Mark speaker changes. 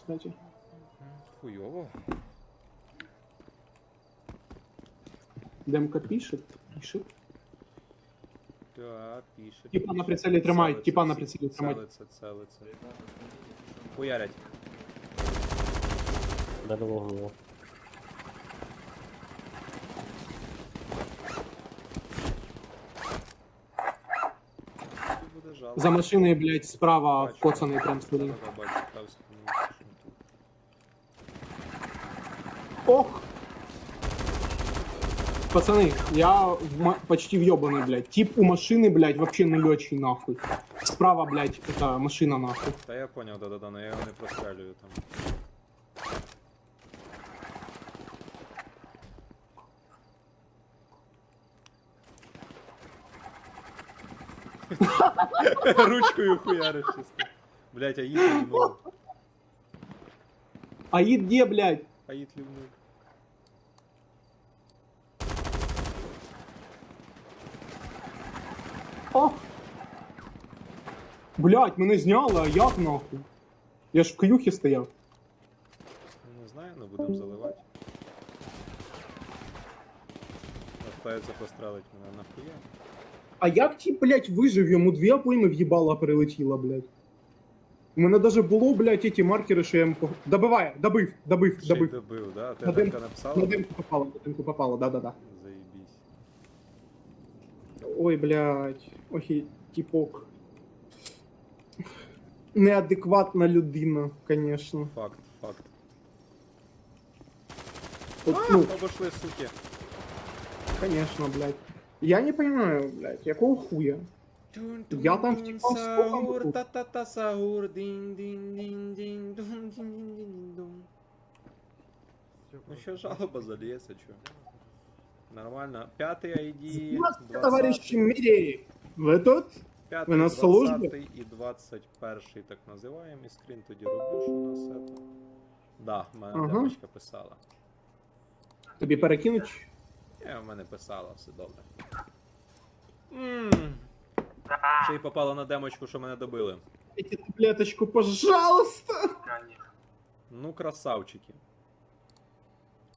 Speaker 1: кстати.
Speaker 2: Хуйово.
Speaker 1: Демка пишет.
Speaker 2: Так, пише.
Speaker 1: Типа на прицелі тримають, типа на прицелі тримають.
Speaker 2: Целиться. Хуярять.
Speaker 3: Дали голову.
Speaker 2: Тут буде жалко.
Speaker 1: За машиною, блядь, справа
Speaker 2: Бачу.
Speaker 1: вкоцаний прям сюди.
Speaker 2: Да-да, бачу, стався, ну, що ми тут.
Speaker 1: Ох! Пацаны, я почти въебаный, блядь. Тип у машины, блядь, вообще нулечий, нахуй. Справа, блядь, это машина, нахуй.
Speaker 2: Та я поняв, да-да-да, но я його не прострелюю там. Ручкою хуяриш чисто. Блять, Аїд лівнув.
Speaker 1: Аид где, блядь?
Speaker 2: Аїд лівнув.
Speaker 1: Ох! Блядь, мене зняли, а як, нахуй? Я ж в каюхі стояв.
Speaker 2: Не знаю, но будемо заливати. Питається пострелити мене нахуя.
Speaker 1: А як ті, блядь, вижив? Йому дві обойми в'їбала прилетіло, блядь. У мене даже було, блядь, ті маркери, що я йому... Добиває, добив.
Speaker 2: Ще й добив, да? Ти
Speaker 1: На
Speaker 2: Демка
Speaker 1: На
Speaker 2: написала?
Speaker 1: демку попало, да-да-да.
Speaker 2: Заебись.
Speaker 1: Ой, блядь, ой, типок. Неадекватна людина, конечно.
Speaker 2: Факт.
Speaker 1: От, ну,
Speaker 2: Обошли, суки.
Speaker 1: конечно, блядь. Я не понимаю, блядь, якого хуя? Я там втікав з
Speaker 2: Саур,
Speaker 1: поком.
Speaker 2: та-та-та, саур, дин-дин-дин-дин, дун-дин-дин-дин-дун. Ну ще жалоба зальється, чо. Нормально. П'ятий ID,
Speaker 1: Здравствуйте, товарищи Миреи! Вы тут?
Speaker 2: П'ятий,
Speaker 1: ви на службі?
Speaker 2: 20 і 21 так називаємо. І скрін тоді роблю, що у нас це. Да, в мене
Speaker 1: Ага.
Speaker 2: демочка писала.
Speaker 1: Тобі перекинуть?
Speaker 2: В мене писала, все добре. Ще й попало на демочку, що мене добили.
Speaker 1: Дайте таблеточку, пожалуйста!
Speaker 2: Ну, красавчики.